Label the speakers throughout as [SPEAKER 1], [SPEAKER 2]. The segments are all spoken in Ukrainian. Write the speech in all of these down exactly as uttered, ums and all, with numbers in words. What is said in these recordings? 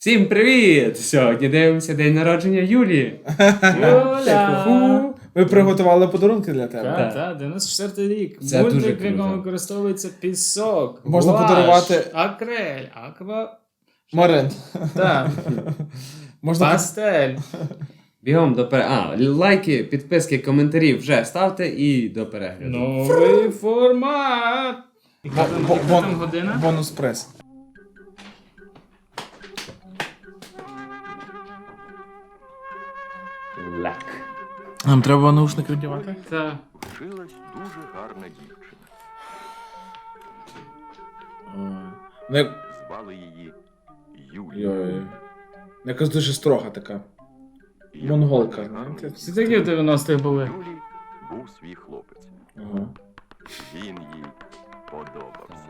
[SPEAKER 1] Всім привіт! Сьогодні дивимося день народження Юлії. Юля!
[SPEAKER 2] Ви приготували подарунки для тебе?
[SPEAKER 1] Так.
[SPEAKER 3] Так, так, дев'яносто четвертий рік.
[SPEAKER 1] Це дуже
[SPEAKER 3] Мультик, в
[SPEAKER 1] круто.
[SPEAKER 3] якому використовується пісок,
[SPEAKER 2] Можна
[SPEAKER 3] гуаш,
[SPEAKER 2] подарувати-
[SPEAKER 3] акрель, аква...
[SPEAKER 2] Марин.
[SPEAKER 3] Так,
[SPEAKER 2] Можна
[SPEAKER 3] пастель.
[SPEAKER 1] Бігом до перегляду. А, лайки, підписки, коментарі вже ставте і до перегляду.
[SPEAKER 3] Новий формат. Яка
[SPEAKER 2] Бо-
[SPEAKER 3] там,
[SPEAKER 2] бо-
[SPEAKER 3] яка
[SPEAKER 2] бон-
[SPEAKER 3] там година?
[SPEAKER 2] бонус прес.
[SPEAKER 1] Лак.
[SPEAKER 2] Нам треба наушники вдівати?
[SPEAKER 3] Так.
[SPEAKER 4] Вчилась дуже гарна дівчина.
[SPEAKER 2] Не...
[SPEAKER 4] Звали її Юлія.
[SPEAKER 2] Йой. Якась дуже строга така.
[SPEAKER 4] І
[SPEAKER 2] монголка,
[SPEAKER 4] як гарно,
[SPEAKER 2] знаєте?
[SPEAKER 3] Всі такі в дев'яностих були.
[SPEAKER 4] Юлі був свій хлопець.
[SPEAKER 2] Ага.
[SPEAKER 4] Він їй подобався.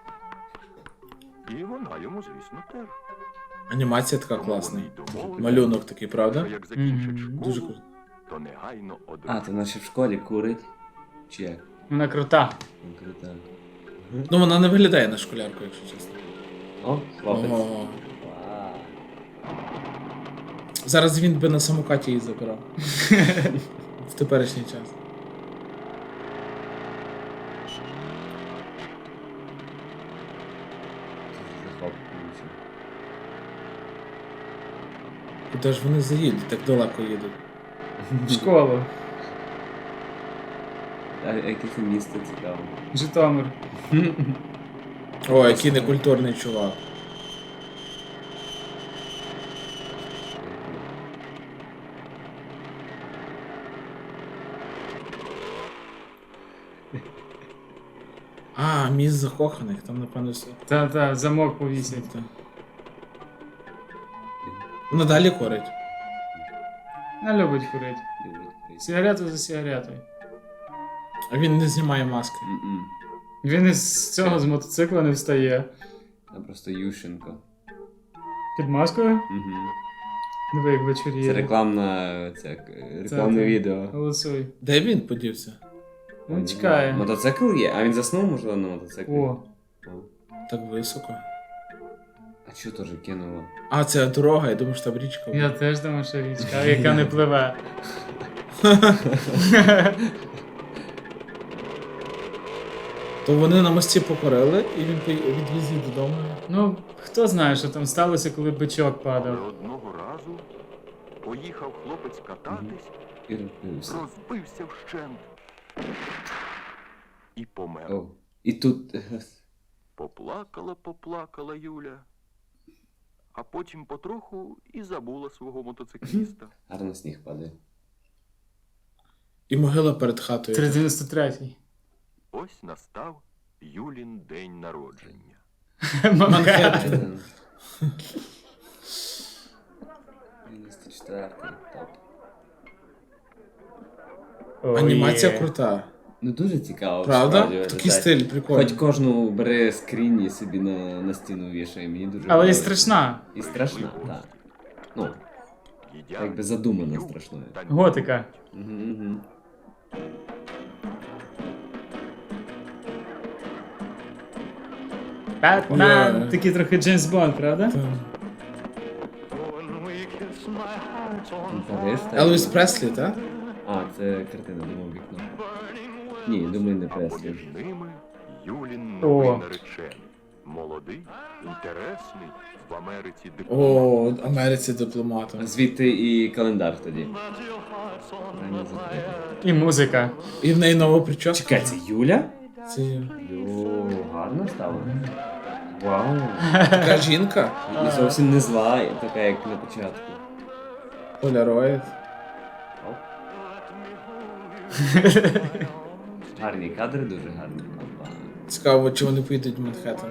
[SPEAKER 4] І вона йому, звісно, теж.
[SPEAKER 2] Анімація така
[SPEAKER 4] Тому
[SPEAKER 2] класна.
[SPEAKER 4] вони й домовились,
[SPEAKER 2] Малюнок такий,
[SPEAKER 4] що
[SPEAKER 2] правда?
[SPEAKER 4] як закінчить
[SPEAKER 3] Мгм.
[SPEAKER 4] школу,
[SPEAKER 2] Дуже круто.
[SPEAKER 4] то негайно
[SPEAKER 1] А,
[SPEAKER 4] одружить.
[SPEAKER 1] то наче в школі курить. Чи як?
[SPEAKER 3] Вона крута.
[SPEAKER 1] Ну, круто.
[SPEAKER 2] Ну вона не виглядає на школярку, якщо чесно.
[SPEAKER 1] О, хлопець.
[SPEAKER 2] Ого.
[SPEAKER 1] Вау.
[SPEAKER 2] Зараз він би на самокаті її забирав. В теперішній час.
[SPEAKER 1] Захоплююче.
[SPEAKER 2] Куди ж вони заїдуть, так далеко їдуть.
[SPEAKER 3] В школу.
[SPEAKER 1] А яке це місто цікаво.
[SPEAKER 3] Житомир.
[SPEAKER 2] О, який некультурний чувак. А, міст закоханих, там напевно все.
[SPEAKER 3] Та, та, замок повісять.
[SPEAKER 2] Та. Вона далі корить.
[SPEAKER 3] Не любить курити.
[SPEAKER 1] Любить курити.
[SPEAKER 3] Сигарету за сигаретою.
[SPEAKER 2] А він не знімає маски.
[SPEAKER 1] М-м.
[SPEAKER 3] Він із цього з мотоцикла не встає.
[SPEAKER 1] Там просто Ющенко.
[SPEAKER 3] Під маскою?
[SPEAKER 1] Угу.
[SPEAKER 3] Диви, як вечоріє.
[SPEAKER 1] Це рекламна, це, як, е, рекламне
[SPEAKER 3] Це-
[SPEAKER 1] відео.
[SPEAKER 3] Голосуй.
[SPEAKER 2] Де він подівся?
[SPEAKER 3] Він чекає.
[SPEAKER 1] Мотоцикл є? А він заснув, можливо, на мотоциклі?
[SPEAKER 3] О,
[SPEAKER 1] О.
[SPEAKER 2] Так високо.
[SPEAKER 1] А чого теж кинуло?
[SPEAKER 2] А, це дорога, я думаю, що там річка.
[SPEAKER 3] я теж думаю, що річка, яка не пливе.
[SPEAKER 2] То вони на мості покорили, і він пої- відвіз її додому.
[SPEAKER 3] Ну, хто знає, що там сталося, коли бичок
[SPEAKER 4] Але
[SPEAKER 3] падав.
[SPEAKER 4] одного разу поїхав хлопець кататись,
[SPEAKER 1] І розбився.
[SPEAKER 4] розбився вщент. І помер.
[SPEAKER 1] О. І тут...
[SPEAKER 4] Поплакала, поплакала Юля, а потім потроху і забула свого мотоцикліста.
[SPEAKER 1] Гарно сніг падає.
[SPEAKER 2] І могила перед хатою.
[SPEAKER 3] триста дев'яносто третій.
[SPEAKER 4] Ось настав Юлін день народження.
[SPEAKER 2] Манхеттен.
[SPEAKER 1] дев'яносто четвертий, топ.
[SPEAKER 3] О,
[SPEAKER 2] Анімація
[SPEAKER 3] є.
[SPEAKER 2] крута.
[SPEAKER 1] Ну дуже цікаво.
[SPEAKER 2] Правда?
[SPEAKER 1] справді,
[SPEAKER 2] Такий
[SPEAKER 1] виглядає.
[SPEAKER 2] стиль прикольний.
[SPEAKER 1] Хоч кожну бери скрінь і собі на, на стіну вішає, мені дуже
[SPEAKER 3] Але і
[SPEAKER 1] подобається.
[SPEAKER 3] страшна.
[SPEAKER 1] І страшна, так. Ну,
[SPEAKER 4] Їдять,
[SPEAKER 1] якби задумано
[SPEAKER 4] п'ють,
[SPEAKER 1] страшною.
[SPEAKER 4] танцюють.
[SPEAKER 3] Готика.
[SPEAKER 1] Угу, угу.
[SPEAKER 3] Бетмен.
[SPEAKER 2] Ой.
[SPEAKER 3] Такий трохи Джеймс Бонд, правда?
[SPEAKER 2] Та.
[SPEAKER 1] Париж, так?
[SPEAKER 2] Елвіс Преслі, так?
[SPEAKER 1] А, це картина, думав, вікно. Ні, думаю, не
[SPEAKER 4] А
[SPEAKER 1] Преслі.
[SPEAKER 4] поміж ними Юлін
[SPEAKER 3] О.
[SPEAKER 4] новий наречений. Молодий, інтересний, в Америці дипломат.
[SPEAKER 2] О, Америці дипломатом.
[SPEAKER 1] Звідти і календар тоді. Правильно закрити.
[SPEAKER 3] І музика.
[SPEAKER 2] І в неї нова прическа.
[SPEAKER 1] Чекай, це Юля?
[SPEAKER 2] Це
[SPEAKER 1] Йо, гарно стало. Вау.
[SPEAKER 2] така жінка.
[SPEAKER 1] І зовсім не зла, така як на початку.
[SPEAKER 2] Поляроїд.
[SPEAKER 1] Оп. Гарні кадри, дуже гарні. Опа.
[SPEAKER 2] Цікаво, чи вони поїдуть в Манхеттен.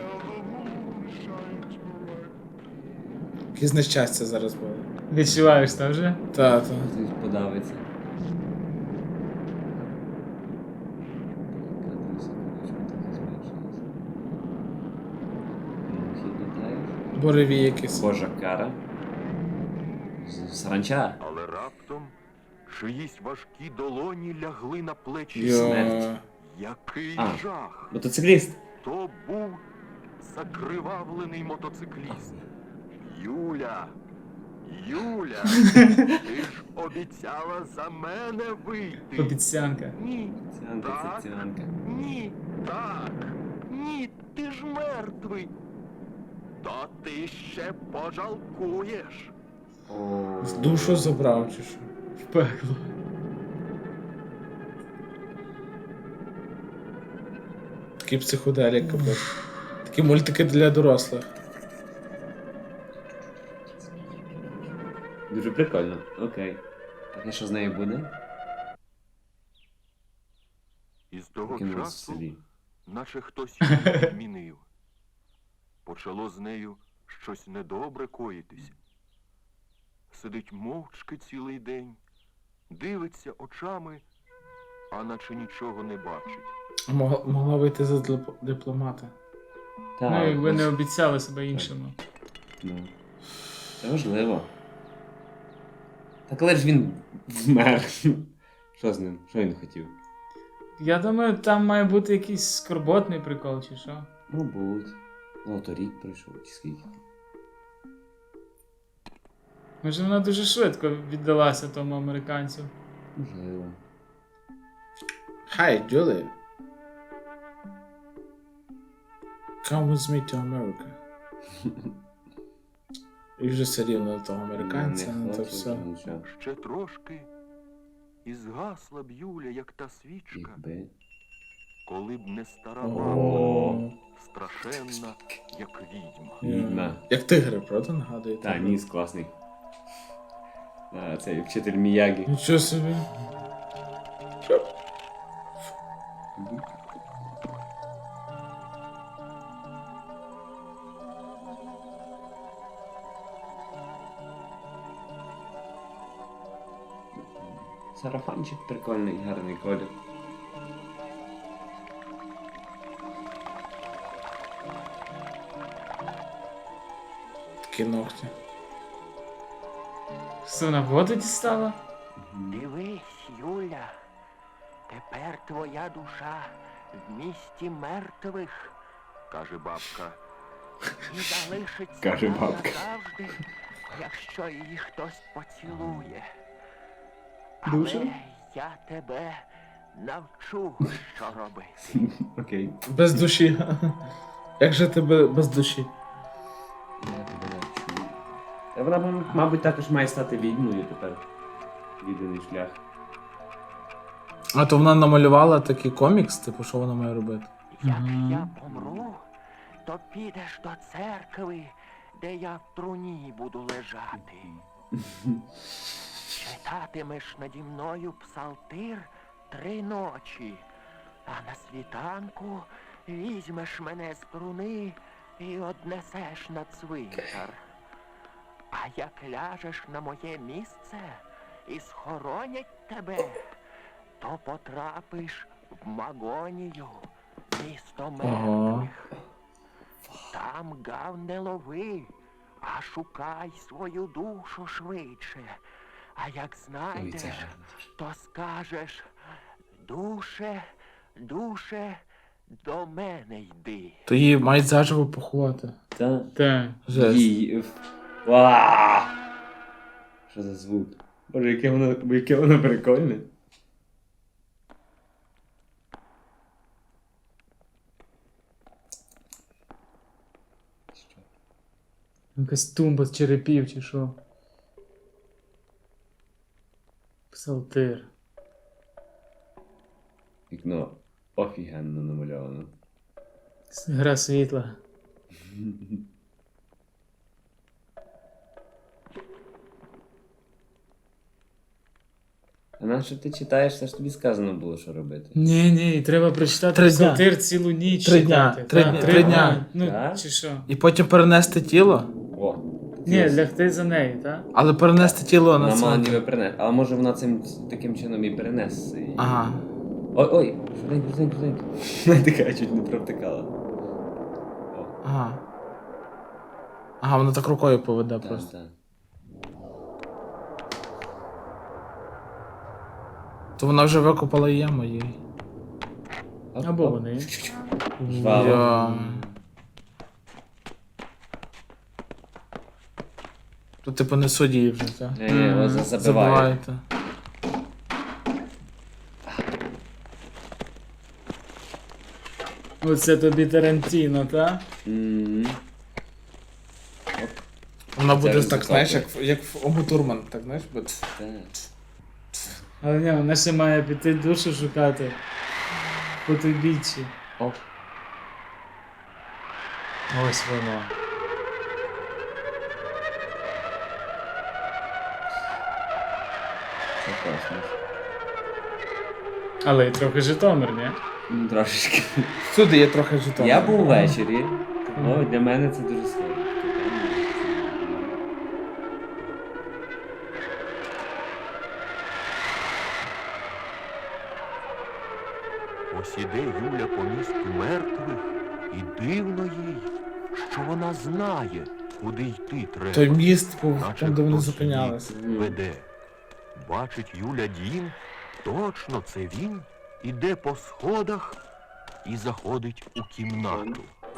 [SPEAKER 2] Якесь нещастя зараз буде.
[SPEAKER 3] Відчуваєш це вже?
[SPEAKER 2] Та, та.
[SPEAKER 1] Хтось подавиться.
[SPEAKER 2] Бореві якісь.
[SPEAKER 1] Божа кара. З- Саранча.
[SPEAKER 4] Але раптом чиїсь важкі долоні лягли на плечі.
[SPEAKER 2] Йо.
[SPEAKER 1] Смерть.
[SPEAKER 4] Який
[SPEAKER 1] А.
[SPEAKER 4] жах!
[SPEAKER 1] Мотоцикліст.
[SPEAKER 4] То був закривавлений мотоцикліст. Юля, Юля, ти ж обіцяла за мене вийти.
[SPEAKER 3] Обіцянка.
[SPEAKER 4] Ні,
[SPEAKER 1] Ціанка,
[SPEAKER 4] так,
[SPEAKER 1] це ціанка.
[SPEAKER 4] ні, так, ні, ти ж мертвий. То ти ще пожалкуєш.
[SPEAKER 1] О,
[SPEAKER 2] Душу забрав чи що?
[SPEAKER 3] В пекло.
[SPEAKER 2] Такий психоделік, капець. Такі мультики для дорослих.
[SPEAKER 1] Дуже прикольно. Окей. Так, і що з нею буде?
[SPEAKER 4] І з того
[SPEAKER 1] Покинулась в
[SPEAKER 4] часу,
[SPEAKER 1] селі.
[SPEAKER 4] наче хтось її змінив. Почало з нею щось недобре коїтись. Сидить мовчки цілий день, дивиться очами, а наче нічого не бачить.
[SPEAKER 2] А Могла, могла вийти за дип- дипломата.
[SPEAKER 1] Так,
[SPEAKER 3] Ну, якби
[SPEAKER 1] ось-
[SPEAKER 3] не обіцяли себе іншому.
[SPEAKER 1] Ну. Це важливо. Так але ж він вмер. Що з ним? Що він хотів?
[SPEAKER 3] Я думаю, там має бути якийсь скорботний прикол, чи що?
[SPEAKER 1] Мабуть. Ну, то рік пройшов, чи скільки.
[SPEAKER 3] Може, вона дуже швидко віддалася тому американцю.
[SPEAKER 1] Можливо.
[SPEAKER 2] Hi, Julie. Come with me to America. І вже все рівно до того американця,
[SPEAKER 1] Не
[SPEAKER 2] ну то
[SPEAKER 1] хоче,
[SPEAKER 2] все.
[SPEAKER 1] нічого.
[SPEAKER 4] Ще трошки і згасла б Юля, як та свічка,
[SPEAKER 1] Якби.
[SPEAKER 4] коли б не стара
[SPEAKER 2] О.
[SPEAKER 4] мама, страшенна, як відьма.
[SPEAKER 1] Відьма.
[SPEAKER 2] Як тигри, правда, нагадує?
[SPEAKER 1] Та, ніс класний. А, цей вчитель Міягі.
[SPEAKER 2] Нічого собі.
[SPEAKER 1] Сарафанчик прикольний, гарний колір.
[SPEAKER 2] Такі ногті.
[SPEAKER 3] Що, вона воду дістала?
[SPEAKER 5] Дивись, Юля, тепер твоя душа в місті мертвих
[SPEAKER 4] Каже бабка,
[SPEAKER 5] і залишиться
[SPEAKER 1] Каже
[SPEAKER 5] там
[SPEAKER 1] бабка.
[SPEAKER 5] назавжди, якщо її хтось поцілує.
[SPEAKER 3] Душа?
[SPEAKER 5] Але я тебе навчу, що робити.
[SPEAKER 1] Окей.
[SPEAKER 2] Без душі. Як же тебе без душі?
[SPEAKER 1] Я тебе навчу. Та вона, мабуть, мабуть, також має стати відьмою тепер. Відданий шлях.
[SPEAKER 2] А то вона намалювала такий комікс, типу, що вона має робити?
[SPEAKER 5] Як
[SPEAKER 3] Мгм.
[SPEAKER 5] я помру, то підеш до церкви, де я в труні буду лежати. Читатимеш наді мною псалтир три ночі, а на світанку візьмеш мене з труни і однесеш на цвинтар. А як ляжеш на моє місце і схоронять тебе, то потрапиш в Магонію, місто мертвих. Там гав не лови, а шукай свою душу швидше. А як
[SPEAKER 1] Ой, це
[SPEAKER 5] знайдеш,
[SPEAKER 1] гарно.
[SPEAKER 5] то скажеш: душе, душе, до мене йди.
[SPEAKER 2] То її мають заживо поховати.
[SPEAKER 1] Та.
[SPEAKER 3] Так.
[SPEAKER 2] Жесть.
[SPEAKER 1] Їй. Вау! Що за звук? Боже, яке воно, яке воно прикольне. Що?
[SPEAKER 3] Якась тумба з черепів, чи що? Псалтир.
[SPEAKER 1] Вікно офігенно намальовано.
[SPEAKER 3] Гра світла.
[SPEAKER 1] А на що ти читаєш, це ж тобі сказано було, що робити.
[SPEAKER 3] Ні, ні, треба прочитати
[SPEAKER 2] Три дня.
[SPEAKER 3] псалтир цілу ніч
[SPEAKER 2] Три дня.
[SPEAKER 3] читати.
[SPEAKER 2] Три
[SPEAKER 3] Так,
[SPEAKER 2] дня.
[SPEAKER 3] три
[SPEAKER 2] Три
[SPEAKER 3] дня.
[SPEAKER 2] дня.
[SPEAKER 3] Ну,
[SPEAKER 1] Так?
[SPEAKER 3] чи що?
[SPEAKER 2] І потім перенести тіло,
[SPEAKER 1] О!
[SPEAKER 3] Ні, лягти за нею, так?
[SPEAKER 2] але перенести тіло на
[SPEAKER 1] Вона мала
[SPEAKER 2] цвинтар.
[SPEAKER 1] ніби перенести. Але може вона цим таким чином і перенесе. її.
[SPEAKER 2] Ага.
[SPEAKER 1] Ой, ой, швиденько, швиденько, швиденько. Вона така чуть не провтикала. О,
[SPEAKER 2] Ага. Ага, вона так рукою поведе
[SPEAKER 1] так,
[SPEAKER 2] просто.
[SPEAKER 1] так.
[SPEAKER 2] То вона вже викопала яму їй.
[SPEAKER 1] Оп,
[SPEAKER 3] Або
[SPEAKER 1] оп.
[SPEAKER 3] вони.
[SPEAKER 1] Жваво.
[SPEAKER 2] Я... То типу не судді вже, так?
[SPEAKER 1] Ні, ні,
[SPEAKER 3] Мгм.
[SPEAKER 1] ось забиває.
[SPEAKER 2] Забиваєте.
[SPEAKER 3] Оце тобі Тарантіно, та?
[SPEAKER 1] Мгм.
[SPEAKER 2] Вона буде
[SPEAKER 1] Це
[SPEAKER 2] так, знаєш, як,
[SPEAKER 1] результати.
[SPEAKER 2] в- як в Ому Турман, так знаєш, буде.
[SPEAKER 1] Так.
[SPEAKER 3] Але ні, вона ще має піти душу шукати. По той бічі.
[SPEAKER 1] О,
[SPEAKER 3] Ось воно.
[SPEAKER 1] це класно.
[SPEAKER 3] Але й трохи Житомир, ні?
[SPEAKER 1] Ну, трошечки.
[SPEAKER 2] Всюди є трохи жетон.
[SPEAKER 1] Я був ввечері. Ну, для мене це дуже схоже.
[SPEAKER 4] Ось іде Юля по місту мертвих, і дивно їй, що вона знає, куди йти треба.
[SPEAKER 2] Той міст був
[SPEAKER 4] Наче
[SPEAKER 2] там, де вони
[SPEAKER 4] хтось
[SPEAKER 2] зупинялися.
[SPEAKER 4] її веде. Бачить Юля дім, точно це він, іде по сходах і заходить у кімнату.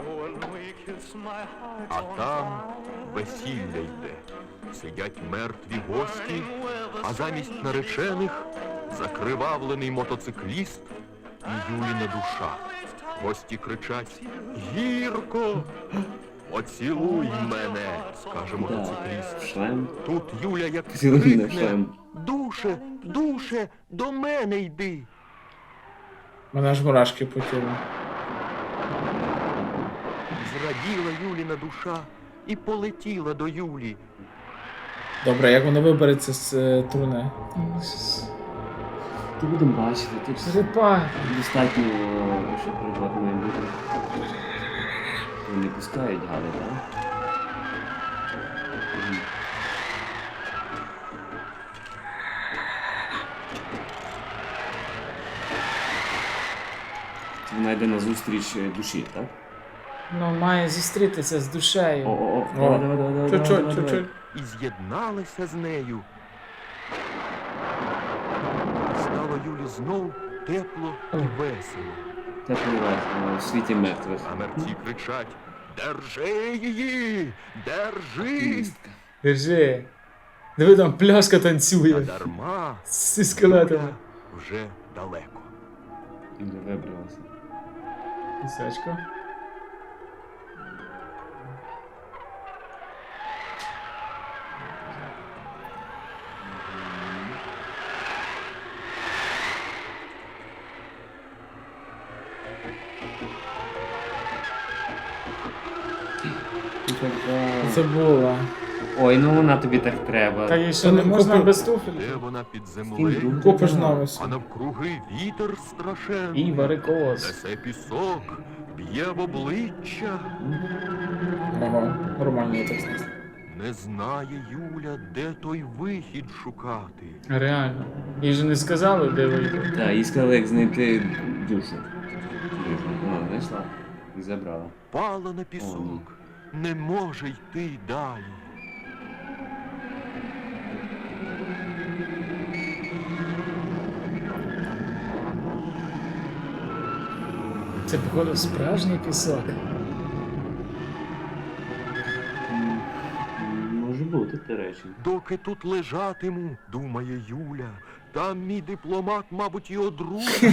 [SPEAKER 4] А там весілля йде. Сидять мертві гості, а замість наречених закривавлений мотоцикліст і Юліна душа. Гості кричать: «Гірко! Поцілуй мене!» скаже
[SPEAKER 1] Так,
[SPEAKER 4] мотоцикліст.
[SPEAKER 1] шлем.
[SPEAKER 4] Тут Юля як
[SPEAKER 1] Цілуй мене в
[SPEAKER 4] крикне:
[SPEAKER 1] шлем.
[SPEAKER 4] «Душе, душе, до мене йди!»
[SPEAKER 2] Мене аж мурашки по тілу.
[SPEAKER 4] Зраділа Юліна душа і полетіла до Юлі.
[SPEAKER 2] Добре, як воно вибереться з е, турне?
[SPEAKER 1] Ти будемо бачити, тут
[SPEAKER 3] Черепах.
[SPEAKER 1] достатньо, що пригод має бути. Вони пускають гали, так? Мгм. Це вона йде на зустріч е, душі, так?
[SPEAKER 3] Ну, має зустрітися з душею.
[SPEAKER 1] О-о-о,
[SPEAKER 2] О,
[SPEAKER 1] давай, давай, давай, давай,
[SPEAKER 2] Чуть-чуть,
[SPEAKER 1] давай, давай.
[SPEAKER 2] чуть-чуть.
[SPEAKER 4] І з'єдналися з нею. Стало Юлі знов тепло і весело.
[SPEAKER 1] Теплий вечір, у світі мертвих.
[SPEAKER 4] А мерці кричать: «Держи її! Держи!»
[SPEAKER 1] Активістка.
[SPEAKER 3] Держи. Диви, там пляшка
[SPEAKER 4] А
[SPEAKER 3] танцює.
[SPEAKER 4] дарма
[SPEAKER 3] Зі скелетами.
[SPEAKER 4] Юля вже далеко.
[SPEAKER 1] І не вибралася.
[SPEAKER 3] Пісочко.
[SPEAKER 2] Це було.
[SPEAKER 1] Ой, ну вона тобі так треба.
[SPEAKER 3] Та їй що не
[SPEAKER 2] Та ну,
[SPEAKER 3] можна
[SPEAKER 2] купи-
[SPEAKER 3] без туфель?
[SPEAKER 4] Де вона під землею,
[SPEAKER 2] Купиш новий.
[SPEAKER 4] а навкруги вітер страшенний.
[SPEAKER 3] І варикоз.
[SPEAKER 4] Несе пісок, б'є в обличчя.
[SPEAKER 2] Ага, нормально я так знаю.
[SPEAKER 4] Не знає Юля, де той вихід шукати.
[SPEAKER 3] Реально. Їй же не сказали, де вийти.
[SPEAKER 1] Так, їй сказали, як знайти душу. Ну, знайшла. І забрала.
[SPEAKER 4] Пала на пісок, не може йти далі.
[SPEAKER 3] Це, походу, справжній пісок.
[SPEAKER 1] М, Може бути, до речі.
[SPEAKER 4] Доки тут лежатиму, думає Юля, там мій дипломат, мабуть, і одружить.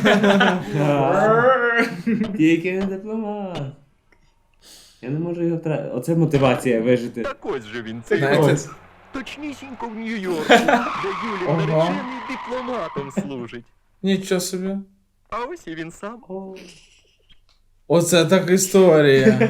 [SPEAKER 1] Тільки не дипломат. Я не можу його втратити. Оце мотивація вижити.
[SPEAKER 4] Так ось же він, цей
[SPEAKER 2] Знаєте,
[SPEAKER 4] ось. Точнісінько в Нью-Йорку, де Юлін
[SPEAKER 2] Ага.
[SPEAKER 4] наречений дипломатом служить.
[SPEAKER 2] Нічого собі.
[SPEAKER 4] А ось і він сам.
[SPEAKER 2] Оце так історія.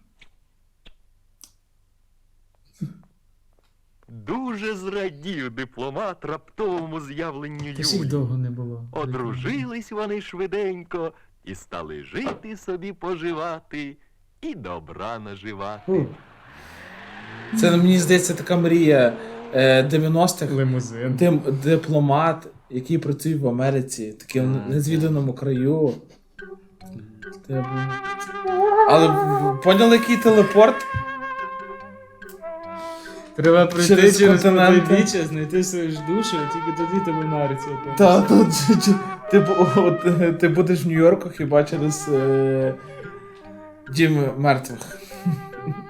[SPEAKER 4] Дуже зрадів дипломат раптовому з'явленню
[SPEAKER 3] Та ж їх
[SPEAKER 4] Юлі.
[SPEAKER 3] довго не було.
[SPEAKER 4] Одружились вони швиденько і стали жити собі, поживати і добра наживати.
[SPEAKER 1] Фу.
[SPEAKER 2] Це мені здається така мрія е, дев'яностих.
[SPEAKER 3] Лимузин.
[SPEAKER 2] Дим, дипломат, який працює в Америці, таким
[SPEAKER 1] Так,
[SPEAKER 2] незвіданому краю. Типу. Але в- поняли, який телепорт?
[SPEAKER 3] Треба пройти
[SPEAKER 2] Через
[SPEAKER 3] через
[SPEAKER 2] континенти.
[SPEAKER 3] потойбіччя, знайти свою ж душу, і тільки тоді тебе на Арці опинишся.
[SPEAKER 2] Та, то, чи- чи- типу, от, е, ти будеш в Нью-Йорку хіба через е, дім мертвих.
[SPEAKER 1] М,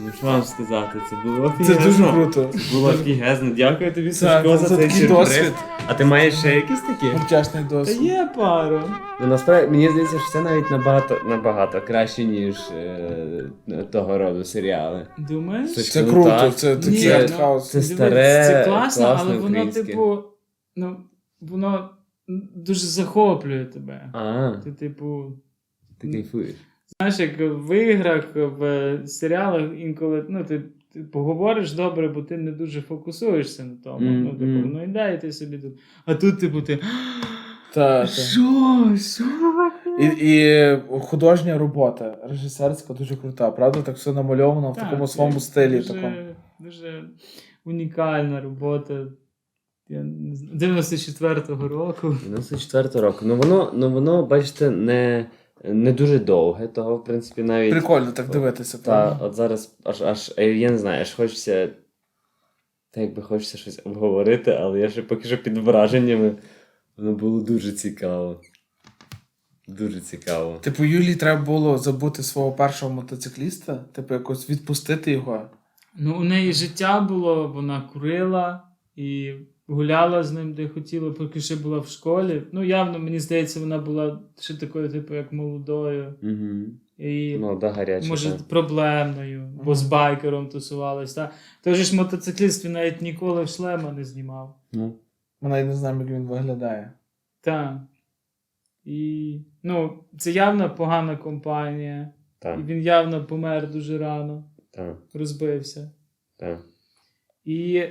[SPEAKER 1] Ну, що вам сказати, це було
[SPEAKER 2] Це дуже
[SPEAKER 1] офігезно.
[SPEAKER 2] круто.
[SPEAKER 1] Це було офігезно. Дякую тобі,
[SPEAKER 2] Це,
[SPEAKER 1] Сашко, за
[SPEAKER 2] це
[SPEAKER 1] цей
[SPEAKER 2] такий
[SPEAKER 1] сюрприз.
[SPEAKER 2] досвід.
[SPEAKER 1] А ти маєш ще якісь такі?
[SPEAKER 2] Вдячний
[SPEAKER 3] Та
[SPEAKER 2] досвід.
[SPEAKER 3] є пару.
[SPEAKER 1] Ну, насправді, мені здається, що це навіть набагато, набагато краще, ніж е, того роду серіали.
[SPEAKER 3] Думаєш?
[SPEAKER 1] Це
[SPEAKER 2] Це
[SPEAKER 1] Ну,
[SPEAKER 2] круто,
[SPEAKER 1] так.
[SPEAKER 2] це
[SPEAKER 3] Ні,
[SPEAKER 2] такий
[SPEAKER 3] ну,
[SPEAKER 2] артхаус.
[SPEAKER 1] це
[SPEAKER 3] Дивись,
[SPEAKER 1] старе,
[SPEAKER 3] це класно,
[SPEAKER 1] класне
[SPEAKER 3] але воно,
[SPEAKER 1] українське.
[SPEAKER 3] типу, ну, воно дуже захоплює тебе.
[SPEAKER 1] А,
[SPEAKER 3] Ти, типу,
[SPEAKER 1] ти кайфуєш.
[SPEAKER 3] знаєш, як в іграх, в серіалах інколи, ну, ти, ти поговориш добре, бо ти не дуже фокусуєшся на тому.
[SPEAKER 1] Мгм,
[SPEAKER 3] Ну, типу,
[SPEAKER 1] мгм.
[SPEAKER 3] воно йде, і ти собі тут. А тут, типу, ти.
[SPEAKER 2] Та, та.
[SPEAKER 3] Що? Що?
[SPEAKER 2] І, і художня робота, режисерська дуже крута, правда? Так все намальовано в
[SPEAKER 3] Так,
[SPEAKER 2] такому
[SPEAKER 3] це
[SPEAKER 2] своєму стилі.
[SPEAKER 3] Дуже,
[SPEAKER 2] Такому.
[SPEAKER 3] дуже унікальна робота. Я не знаю, дев'яносто четвертого року.
[SPEAKER 1] дев'яносто четвертого року. Ну воно, ну воно, бачите, не, не дуже довге, того, в принципі, навіть.
[SPEAKER 2] Прикольно так дивитися,
[SPEAKER 1] Та,
[SPEAKER 2] правда?
[SPEAKER 1] от зараз аж аж, е, я не знаю, аж хочеться. Та якби хочеться щось обговорити, але я ще поки що під враженнями. Воно було дуже цікаво. Дуже цікаво.
[SPEAKER 2] Типу, Юлії треба було забути свого першого мотоцикліста, типу, якось відпустити його.
[SPEAKER 3] Ну, у неї життя було, вона курила і гуляла з ним, де хотіла, поки ще була в школі. Ну, явно, мені здається, вона була ще такою, типу, як молодою.
[SPEAKER 1] Угу.
[SPEAKER 3] І,
[SPEAKER 1] Молода гаряча.
[SPEAKER 3] може,
[SPEAKER 1] та.
[SPEAKER 3] проблемною, бо з байкером тусувалась. Та? Той же ж мотоцикліст, він навіть ніколи шлема не знімав.
[SPEAKER 1] Ну.
[SPEAKER 2] Ми навіть не знаємо, як він виглядає.
[SPEAKER 3] Так. І, ну, це явно погана компанія.
[SPEAKER 1] Так,
[SPEAKER 3] І він явно помер дуже рано,
[SPEAKER 1] так,
[SPEAKER 3] розбився.
[SPEAKER 1] так.
[SPEAKER 3] І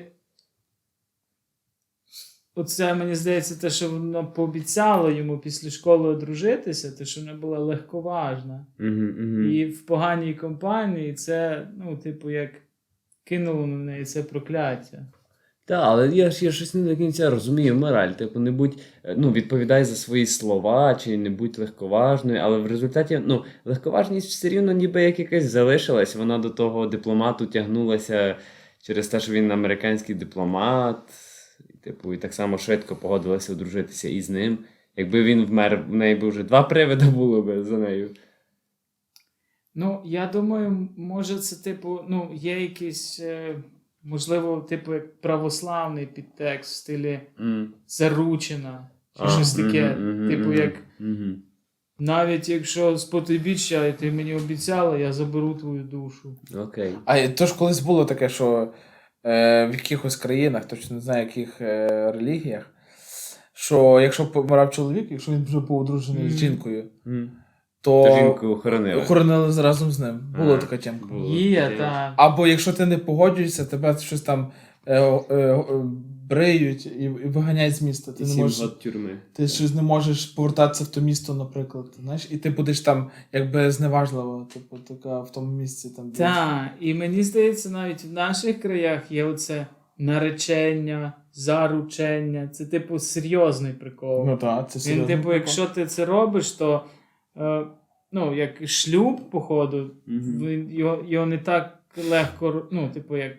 [SPEAKER 3] оце, мені здається, те, що вона пообіцяла йому після школи одружитися, те, що вона була легковажна.
[SPEAKER 1] Угу, угу.
[SPEAKER 3] І в поганій компанії це, ну, типу, як кинуло на неї це прокляття.
[SPEAKER 1] Так, але я ж я щось не до кінця розумію мораль. Типу, не будь, е, ну, відповідай за свої слова, чи не будь легковажною, але в результаті, ну, легковажність все рівно ніби як якась залишилась. Вона до того дипломату тягнулася через те, що він американський дипломат. І, типу, і так само швидко погодилася одружитися із ним. Якби він вмер, в неї би вже два привида було би за нею.
[SPEAKER 3] Ну, я думаю, може це, типу, ну, є якийсь, е, можливо, типу, як православний підтекст в стилі
[SPEAKER 1] М.
[SPEAKER 3] заручена, чи
[SPEAKER 1] А,
[SPEAKER 3] щось таке.
[SPEAKER 1] мгм, мгм,
[SPEAKER 3] Типу,
[SPEAKER 1] мгм,
[SPEAKER 3] як
[SPEAKER 1] мгм.
[SPEAKER 3] навіть якщо з потойбіччя, і ти мені обіцяла, я заберу твою душу.
[SPEAKER 1] Окей.
[SPEAKER 2] А і то ж колись було таке, що е, в якихось країнах, точно не знаю, яких е, релігіях, що якщо помирав чоловік, якщо він вже був одружений
[SPEAKER 3] Мгм.
[SPEAKER 2] з жінкою,
[SPEAKER 1] М.
[SPEAKER 2] то
[SPEAKER 1] То жінку охоронили.
[SPEAKER 2] охоронили разом з ним. Була
[SPEAKER 1] А,
[SPEAKER 2] така тємка.
[SPEAKER 1] було
[SPEAKER 3] Є,
[SPEAKER 1] таке.
[SPEAKER 3] так.
[SPEAKER 2] Або якщо ти не погоджуєшся, тебе щось там е, е, е, бриють і, і виганяють з міста. Ти
[SPEAKER 1] І
[SPEAKER 2] не
[SPEAKER 1] сім
[SPEAKER 2] можеш,
[SPEAKER 1] год тюрми.
[SPEAKER 2] ти щось не можеш повертатися в то місто, наприклад. Знаєш, і ти будеш там якби зневажливо, типу, така в тому місці там. де-
[SPEAKER 3] Так, і мені здається, навіть в наших краях є оце наречення, заручення. Це, типу, серйозний прикол.
[SPEAKER 2] Ну так, це
[SPEAKER 3] Він,
[SPEAKER 2] серйозно.
[SPEAKER 3] типу, якщо ти це робиш, то е, ну, як шлюб, походу,
[SPEAKER 1] Мгм.
[SPEAKER 3] він, його, його не так легко, ну, типу, як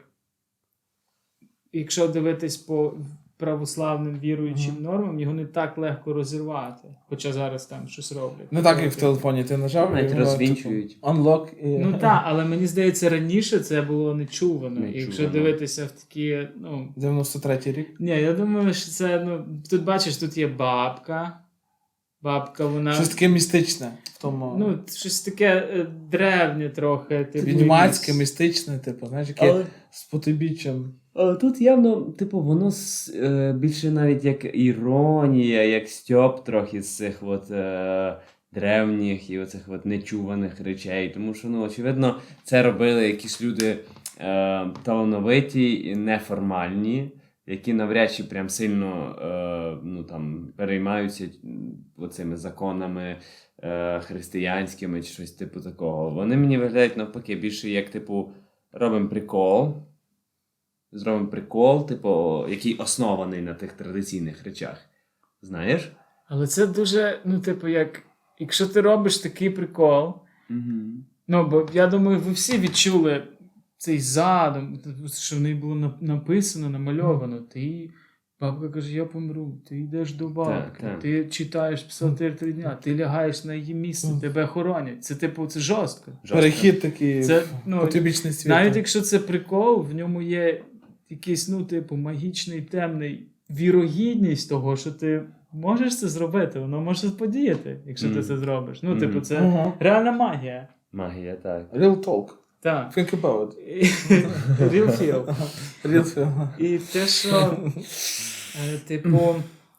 [SPEAKER 3] якщо дивитись по православним віруючим
[SPEAKER 2] Ага.
[SPEAKER 3] нормам, його не так легко розірвати. Хоча зараз там щось роблять.
[SPEAKER 2] Не так, як в телефоні ти нажав,
[SPEAKER 1] Навіть
[SPEAKER 2] і воно,
[SPEAKER 1] розвінчують.
[SPEAKER 2] типу, unlock і...
[SPEAKER 3] Ну так, але мені здається, раніше це було нечувано. І
[SPEAKER 1] Нечувано.
[SPEAKER 3] якщо дивитися в такі, ну.
[SPEAKER 2] дев'яносто третій рік.
[SPEAKER 3] Ні, я думаю, що це, ну. Тут бачиш, тут є бабка. Бабка, вона.
[SPEAKER 2] Щось таке містичне в тому.
[SPEAKER 3] Ну, щось таке е, древнє трохи. Типу,
[SPEAKER 2] відьмацьке,
[SPEAKER 3] якісь-
[SPEAKER 2] містичне, типу, знаєш, яке
[SPEAKER 1] Але,
[SPEAKER 2] з потойбіччям.
[SPEAKER 1] але тут явно, типу, воно с- е, більше навіть як іронія, як стьоп трохи з цих от, е, древніх і оцих от нечуваних речей. Тому що, ну, очевидно, це робили якісь люди е, талановиті і неформальні, які навряд чи прям сильно е, ну, там, переймаються м, оцими законами е, християнськими чи щось типу такого. Вони мені виглядають навпаки більше як, типу, робимо прикол. Зробимо прикол, типу, який оснований на тих традиційних речах. Знаєш?
[SPEAKER 3] Але це дуже, ну, типу, як. Якщо ти робиш такий прикол,
[SPEAKER 1] Угу.
[SPEAKER 3] ну, бо я думаю, ви всі відчули цей задум, що в неї було на- написано, намальовано. Ти Бабка каже, я помру, ти йдеш до бабки,
[SPEAKER 1] так.
[SPEAKER 3] ти читаєш псалтир три дня, ти лягаєш на її місце, тебе хоронять. Це типу, це жорстко.
[SPEAKER 1] Жорстко.
[SPEAKER 2] Перехід такий
[SPEAKER 3] Це,
[SPEAKER 2] в
[SPEAKER 3] ну,
[SPEAKER 2] потойбічний світ.
[SPEAKER 3] Навіть якщо це прикол, в ньому є якийсь, ну, типу, магічний, темний вірогідність того, що ти можеш це зробити, воно може подіяти, якщо
[SPEAKER 1] Мгм.
[SPEAKER 3] ти це зробиш. Ну,
[SPEAKER 1] Мгм.
[SPEAKER 3] типу, це
[SPEAKER 2] Ага.
[SPEAKER 3] реальна магія.
[SPEAKER 1] Магія, так.
[SPEAKER 2] Real talk.
[SPEAKER 3] Так.
[SPEAKER 2] Think about it.
[SPEAKER 3] Real feel.
[SPEAKER 2] Real film.
[SPEAKER 3] І те, що, е, типу,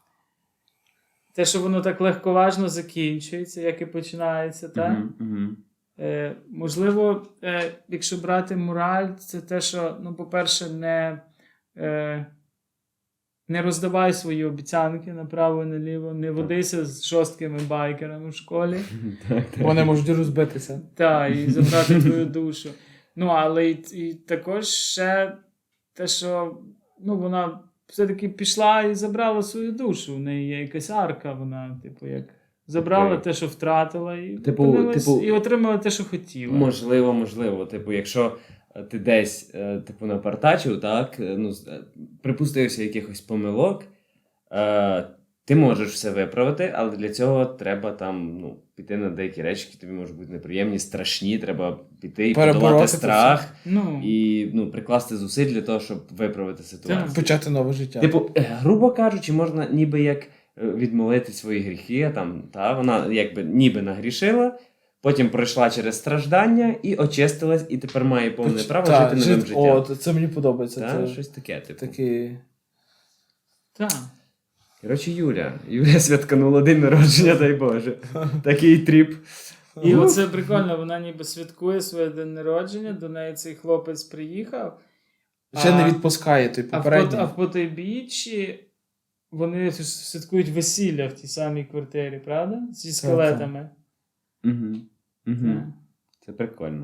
[SPEAKER 3] те, що воно так легковажно закінчується, як і починається, так?
[SPEAKER 1] Мгм, мгм.
[SPEAKER 3] Е, можливо, е, якщо брати мораль, це те, що, ну, по-перше, не, е, не роздавай свої обіцянки направо і наліво, не водися з жорсткими байкерами в школі,
[SPEAKER 1] Так, так.
[SPEAKER 2] Вони можуть розбитися.
[SPEAKER 3] та, і забрати твою душу. Ну, але і, і також ще те, що, ну, вона все-таки пішла і забрала свою душу. В неї є якась арка, вона, типу, як забрала
[SPEAKER 1] Окей.
[SPEAKER 3] те, що втратила, і,
[SPEAKER 1] Типу-
[SPEAKER 3] опинилась-
[SPEAKER 1] типу-
[SPEAKER 3] і отримала те, що хотіла.
[SPEAKER 1] Можливо, можливо. Типу, якщо е, ти десь е, типу, напартачив, так, е, ну, з- е, припустився якихось помилок, е, ти можеш все виправити, але для цього треба там, ну, піти на деякі речі, які тобі можуть бути неприємні, страшні, треба піти і
[SPEAKER 2] Перебороти
[SPEAKER 1] подолати
[SPEAKER 2] це
[SPEAKER 1] страх
[SPEAKER 3] Ну,
[SPEAKER 1] і ну, прикласти зусиль для того, щоб виправити ситуацію.
[SPEAKER 2] Почати нове життя.
[SPEAKER 1] Типу, е, грубо кажучи, можна ніби як е, відмолити свої гріхи, там, та, вона якби ніби нагрішила, потім пройшла через страждання і очистилась, і тепер має повне
[SPEAKER 2] Поч-
[SPEAKER 1] право
[SPEAKER 2] та,
[SPEAKER 1] жити новим
[SPEAKER 2] жит-
[SPEAKER 1] життям.
[SPEAKER 2] О, це мені подобається.
[SPEAKER 1] Та,
[SPEAKER 2] Це
[SPEAKER 1] щось таке, типу.
[SPEAKER 2] такий...
[SPEAKER 3] так.
[SPEAKER 1] Коротше, Юля. Юля святканула день народження, дай Боже. Такий тріп.
[SPEAKER 3] І оце прикольно, вона ніби святкує своє день народження, до неї цей хлопець приїхав.
[SPEAKER 2] Ще не
[SPEAKER 3] а-
[SPEAKER 2] відпускає той
[SPEAKER 3] А в,
[SPEAKER 2] попередній.
[SPEAKER 3] Пот- а в Потойбіччі вони святкують весілля в тій самій квартирі, правда? Зі скелетами.
[SPEAKER 1] Угу. Угу.
[SPEAKER 3] Так.
[SPEAKER 1] Це прикольно.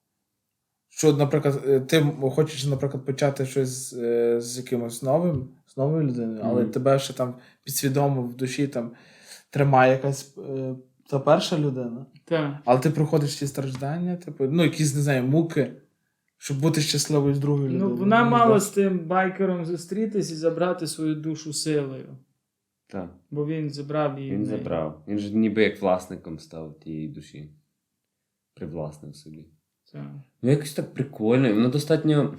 [SPEAKER 2] Що, наприклад, е, ти хочеш, наприклад, почати щось е, з якимось новим, з новою людиною, але
[SPEAKER 1] Мгм.
[SPEAKER 2] тебе ще там підсвідомо в душі там тримає якась е, та перша людина.
[SPEAKER 3] Так.
[SPEAKER 2] Але ти проходиш ці страждання, типу, ну, якісь, не знаю, муки, щоб бути щасливою з другою людиною.
[SPEAKER 3] Ну, вона
[SPEAKER 2] Мені
[SPEAKER 3] мала
[SPEAKER 2] здається.
[SPEAKER 3] з тим байкером зустрітись і забрати свою душу силою.
[SPEAKER 1] Так.
[SPEAKER 3] Бо він забрав її. в
[SPEAKER 1] Він
[SPEAKER 3] неї.
[SPEAKER 1] забрав. Він ж ніби як власником став тієї душі. Привласнив собі.
[SPEAKER 3] Так.
[SPEAKER 1] Ну, якось так прикольно. і Воно достатньо.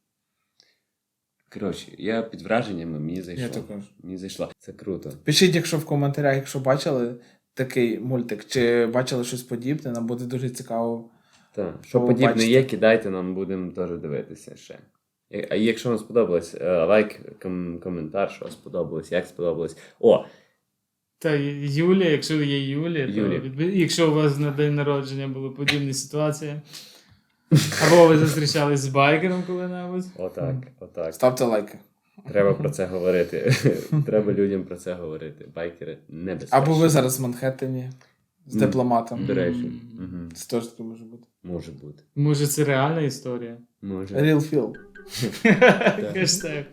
[SPEAKER 1] Коротше, я під враженнями, мені зайшло.
[SPEAKER 2] Я також.
[SPEAKER 1] Мені зайшло. Це круто.
[SPEAKER 2] Пишіть, якщо в коментарях, якщо бачили такий мультик, чи бачили щось подібне, нам буде дуже цікаво.
[SPEAKER 1] Так. Що
[SPEAKER 2] О,
[SPEAKER 1] подібне
[SPEAKER 2] бачите.
[SPEAKER 1] є, кидайте, нам будемо теж дивитися ще. І- А якщо вам сподобалось, е, лайк, ком- коментар, що сподобалось, як сподобалось. О,
[SPEAKER 3] Та Юлія, якщо є Юлія, то
[SPEAKER 1] Юлія.
[SPEAKER 3] відби- якщо у вас на день народження були подібні ситуації, або ви зустрічались з байкером коли-небудь.
[SPEAKER 1] отак, отак.
[SPEAKER 2] Ставте лайки.
[SPEAKER 1] Треба про це говорити. Треба людям про це говорити. Байкери небезпечні.
[SPEAKER 2] Або ви зараз в Манхеттені з
[SPEAKER 1] Мгм.
[SPEAKER 2] дипломатом.
[SPEAKER 1] До речі.
[SPEAKER 3] М.
[SPEAKER 1] Угу.
[SPEAKER 2] Це теж таке може бути.
[SPEAKER 1] Може бути.
[SPEAKER 3] Може, це реальна історія?
[SPEAKER 1] Може.
[SPEAKER 2] Real feel.
[SPEAKER 3] Хештег.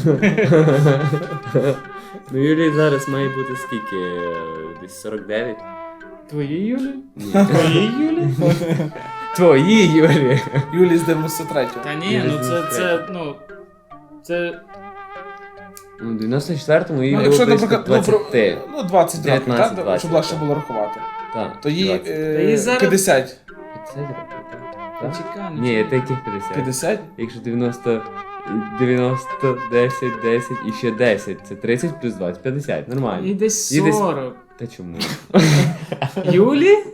[SPEAKER 1] Ну, Юлії зараз має бути скільки? Е, Десь сорок дев'ять?
[SPEAKER 3] Твої Юлі?
[SPEAKER 1] Ні.
[SPEAKER 3] Твої Юлі?
[SPEAKER 1] Твої, Юлі!
[SPEAKER 2] Юлі з дев'яносто третього.
[SPEAKER 3] Та ні, ну це, це, ну, це,
[SPEAKER 1] У дев'яносто четвертому їй
[SPEAKER 2] Ну,
[SPEAKER 1] було
[SPEAKER 2] якщо,
[SPEAKER 1] близько
[SPEAKER 2] наприклад, ну, про,
[SPEAKER 1] двадцять.
[SPEAKER 2] ну, двадцять років,
[SPEAKER 1] дев'ятнадцять,
[SPEAKER 2] так?
[SPEAKER 1] двадцять,
[SPEAKER 2] Щоб легше
[SPEAKER 1] так.
[SPEAKER 2] було рахувати.
[SPEAKER 1] Так.
[SPEAKER 2] То їй
[SPEAKER 1] двадцять.
[SPEAKER 2] е,
[SPEAKER 3] Та їй зараз-
[SPEAKER 2] п'ятдесят.
[SPEAKER 1] п'ятдесят років, так? Так?
[SPEAKER 3] чекай, ну,
[SPEAKER 1] Ні, це яких п'ятдесят?
[SPEAKER 2] п'ятдесят?
[SPEAKER 1] Якщо дев'яносто, дев'яносто, десять, десять і ще десять. Це тридцять плюс двадцять, п'ятдесят.
[SPEAKER 3] їй
[SPEAKER 1] Нормально.
[SPEAKER 3] десь
[SPEAKER 1] Їй десь-
[SPEAKER 3] сорок.
[SPEAKER 1] Та чому?
[SPEAKER 3] Юлі?